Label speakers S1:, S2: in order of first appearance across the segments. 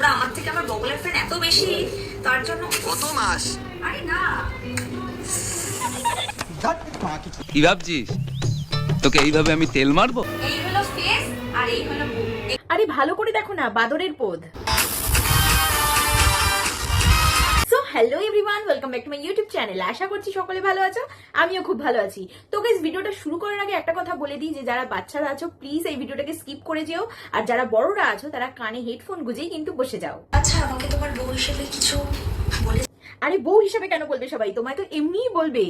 S1: আমার থেকে আমার বগলের ফ্রেন্ড এত বেশি, তার জন্য
S2: কত মাস?
S1: আরে না,
S3: কি ভাবছিস তোকে এইভাবে আমি তেল মারবো?
S1: এই হলো ফেস আর এই হলো মুখ।
S4: আরে ভালো করে দেখো না, বাদরের পোদ। So hello everyone, welcome back to my YouTube channel. আশা করছি সকলে ভালো আছো, আমিও খুব ভালো আছি। তো গাইস, ভিডিওটা শুরু করার আগে একটা কথা বলে দিই যে যারা বাচ্চারা আছো প্লিজ এই ভিডিওটাকে স্কিপ করে যেও, আর যারা বড়রা আছো তারা কানে হেডফোন গুজেই কিন্তু বসে যাও।
S1: আচ্ছা, আমাকে তোমার বউ হিসেবে কিছু বলে?
S4: আরে বউ হিসেবে কেন বলবে সবাই, তোমায় তো এমনিই বলবে।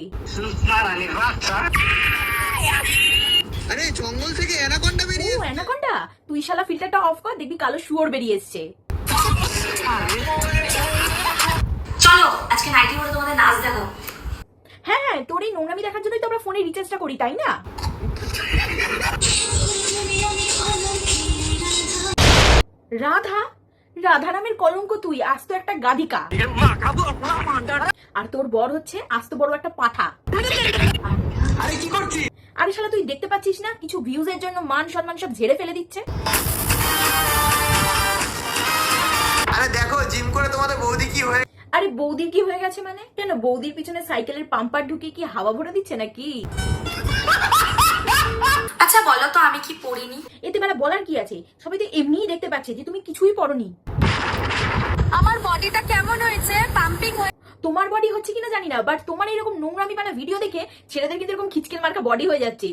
S2: আরে জঙ্গল থেকে অ্যানাকোন্ডা
S4: ও
S2: বেরিয়ে
S4: অ্যানাকোন্ডা, তুই শালা ফিল্টারটা অফ কর, দেখবি কালো শুয়োর বেরিয়ে এসছে।
S1: চলো আজকে নাইটি মোড়ে তোমাদের নাচ দেখো।
S4: হ্যাঁ হ্যাঁ, তোর এই নোংরামি দেখার জন্যই তো আমরা ফোনে রিচার্জটা করি, তাই না? রাধা, রাধা নামের কলঙ্ক তুই, আস্ত একটা গাধিকা। আর তোর বর হচ্ছে আস্ত বড় একটা পাঠা।
S2: আরে কি করছিস?
S4: আরে শালা তুই দেখতে পাচ্ছিস না কিছু ভিউজের জন্য মান সম্মান সব ঝেড়ে ফেলে দিচ্ছে।
S2: আরে দেখো জিম করে তোমাদের বৌদি কি হয়ে।
S4: আরে বৌদির কি হয়ে গেছে মানে? কেন বৌদির পিছনে সাইকেলের পাম্পার ঢুকিয়ে কি হাওয়া ভরে দিচ্ছে নাকি?
S1: আচ্ছা বলো তো আমি কি পড়িনি?
S4: এতে বেলা বলার কি আছে, সবাই তো এমনিই দেখতে পাচ্ছে যে তুমি কিছুই পড়োনি।
S1: আমার বডিটা কেমন হয়েছে? পাম্পিং হয়ে?
S4: তোমার বডি হচ্ছে কিনা জানি না, বাট তোমার এরকম নোংরামি বানা ভিডিও দেখে ছেলেদের কিন্তু এরকম খিচকেল মার্কা বডি হয়ে যাচ্ছে।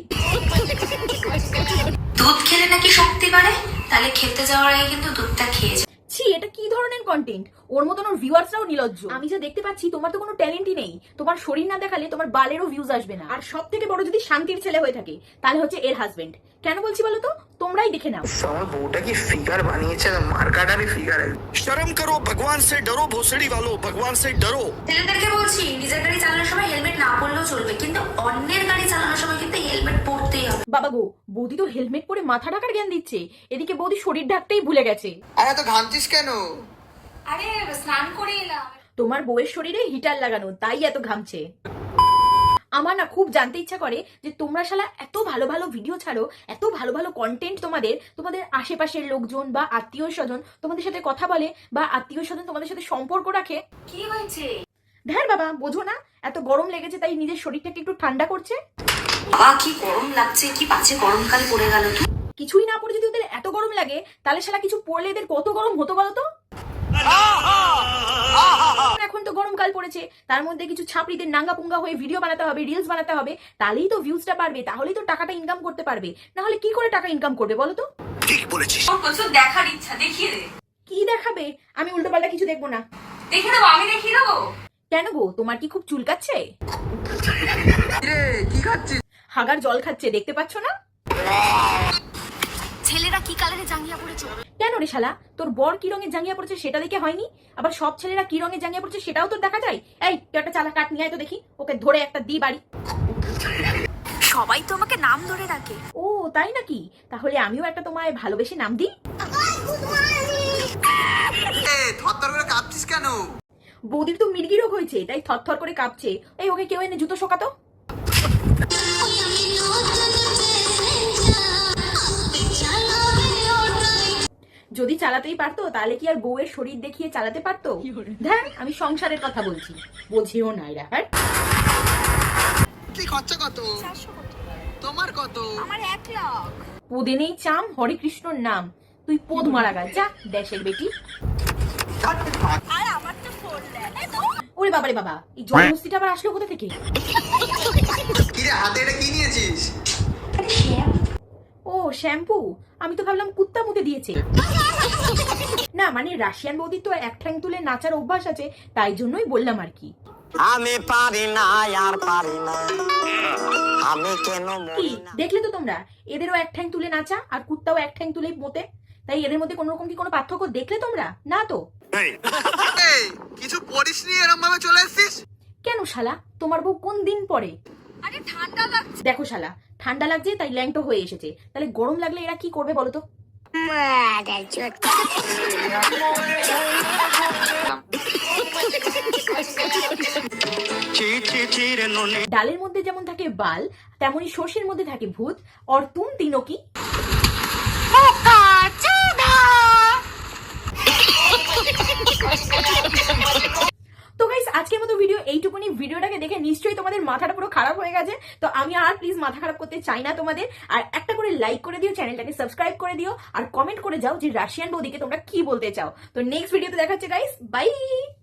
S1: দুধ খেলে নাকি শক্তি বাড়ে, তাহলে খেতে যাওয়ার আগে কিন্তু দুধটা খেয়ে যাও।
S4: ছি, এটা কি ধরনের কন্টেন্ট? ওর মতন ওর ভিউয়ার্সরাও নির্লজ্জ। আমি যা দেখতে পাচ্ছি তোমার তো কোনো ট্যালেন্টই নেই। তোমার শরীর না দেখালে তোমার বালেরও ভিউজ আসবে না। আর সব থেকে বড় যদি শান্তির ছেলে হয়ে থাকে তাহলে হচ্ছে এর হাজবেন্ড। কেন বলছি বলো তো, তোমরাই দেখে নাও।
S2: আমার বউটা কি ফিগার বানিয়েছে, মার্কাটারই ফিগার। শরম করো, ভগবান সে ডরো, ভোসড়ি वालों, ভগবান সে ডরো।
S1: ছেলেদেরকে বলছি নিজের গাড়ি চালানোর সময় হেলমেট না পরলেও চলবে, কিন্তু অন্যের গাড়ি চালানোর সময় কিন্তু হেলমেট পরতেই হবে।
S4: বাবা গো, বৌদি তো হেলমেট পরে মাথা ঢাকার জ্ঞান দিচ্ছে, এদিকে বৌদি শরীর ঢাকতেই ভুলে গেছে।
S2: আরে এত ঘামছিস কেন?
S1: আরে স্নান করে এলাম।
S4: তোমার বউয়ের শরীরে হিটার লাগানো, তাই এত ঘামছে। আমার না খুব জানতে ইচ্ছা করে যে তোমরা শালা এত ভালো ভালো ভিডিও ছাড়ো, এত ভালো ভালো কন্টেন্ট তোমাদের আশেপাশের লোকজন বা আত্মীয় স্বজন তোমাদের সাথে কথা বলে, বা আত্মীয় স্বজন তোমাদের সাথে সম্পর্ক রাখে।
S1: কি হয়েছে?
S4: ধ্যার বাবা, বোঝো না এত গরম লেগেছে তাই নিজের শরীরটাকে একটু ঠান্ডা করছে।
S1: বাবা কি গরম লাগছে, কি বাজে গরমকাল পড়ে গেল।
S4: কিছুই না পড়ে যদি ওদের এত গরম লাগে তাহলে শালা কিছু পড়লে এদের কত গরম হতো বলতো। এখন তো গরমকাল পড়েছে, তার মধ্যে কিছু ছাপড়িদের নাঙ্গা পুঙ্গা হয়ে ভিডিও বানাতে হবে, রিলস বানাতে হবে, তাহলেই তো ভিউজটা পারবে, তাহলেই তো টাকাটা ইনকাম করতে পারবে। না হলে কি করে টাকা ইনকাম করবে বলো তো?
S2: ঠিক বলেছিস।
S1: ওর প্রচুর দেখার ইচ্ছা, দেখিয়ে দে।
S4: কি দেখাবে? আমি উল্টো পাল্টা কিছু দেখবো না।
S1: দেখে দেবো, আমি দেখিয়ে দেবো।
S4: কেন গো, তোমার কি খুব চুলকাচ্ছে?
S2: রে কি খাচ্ছিস?
S4: হাগার জল খাচ্ছে, দেখতে পাচ্ছ না?
S1: ছেলেরা কি কালারে জাঙ্গিয়া পড়েছে?
S4: কেন রে শালা, তোর বর কি রঙের জাঙ্গিয়া পড়েছে সেটা দেখে হয়নি? আবার সব ছেলেরা কি রঙের জাঙ্গিয়া পড়েছে সেটাও তোর দেখা যায়? এই তুই একটা চালা কাট নিয়ে আয় তো দেখি, ওকে ধরে একটা দি বাড়ি।
S1: সবাই তো আমাকে নাম ধরে ডাকে।
S4: ও তাই নাকি? তাহলে আমিও একটা তোমায় ভালোবেসে নাম দিই।
S2: এ থরথর করে কাঁপছিস কেন?
S4: বৌদির তো মির্গি রোগ হয়েছে তাই থরথর করে কাঁপছে। এই ওকে কেউ এনে জুতো শোকাতো। যদি চালাতেই পারতো তাহলে কি আর বউয়ের শরীর দেখিয়ে চালাতে পারতো? ধ্যান, আমি সংসারের কথা বলছি, বোঝেও না এরা। হ্যাঁ,
S2: কি খরচা কত? তোমার কত?
S1: আমার 1 লাখ।
S4: পোদে নেই চাম, হরে কৃষ্ণর নাম। তুই পোদ মারা গা, যা দেশের বেটি।
S1: আর আমার তো 4 লাখ।
S4: ওরে বাবারে বাবা, এই জন্মস্তিটা আবার আসলো কোথা থেকে?
S2: কি রে হাতে এটা কি নিয়েছিস?
S4: ও শ্যাম্পু, আমি তো ভাবলাম কুত্তা মুতে দিয়েছে। না মানে রাশিয়ান বৌদির তো এক ঠ্যাং তুলে নাচার অভ্যাস আছে, তাই জন্যই বললাম আর কি।
S5: আমি পারি না আর পারি না, আমি কেন
S4: কি দেখলে তো তোমরা, এদেরও এক ঠ্যাং তুলে নাচা আর কুত্তাও এক ঠ্যাং তুলে মোতে, তাই এদের মধ্যে কোন রকম কি কোনো পার্থক্য দেখলে তোমরা? না তো।
S2: এই কিছু পড়িসনি এরকম ভাবে চলে এসেছিস
S4: কেন শালা, তোমার বউ কোন দিন পরে?
S1: আরে ঠান্ডা লাগছে।
S4: দেখো শালা, ঠান্ডা লাগছে তাই ল্যাংটো হয়ে এসেছে, তাহলে গরম লাগলে এরা কি করবে বলো তো? ডালের মধ্যে যেমন থাকে বাল, তেমনি সর্ষের মধ্যে থাকে ভূত। और तुम तीनों की এইটুকুনি ভিডিওটাকে দেখে নিশ্চয়ই তোমাদের মাথাটা পুরো খারাপ হয়ে গেছে। তো আমি আর প্লিজ মাথা খারাপ করতে চাই না তোমাদের। আর একটা করে লাইক করে দিও, চ্যানেলটাকে সাবস্ক্রাইব করে দিও, আর কমেন্ট করে যাও যে রাশিয়ান বৌদিকে তোমরা কি বলতে চাও। তো নেক্সট ভিডিওতে দেখাচ্ছে গাইস, বাই।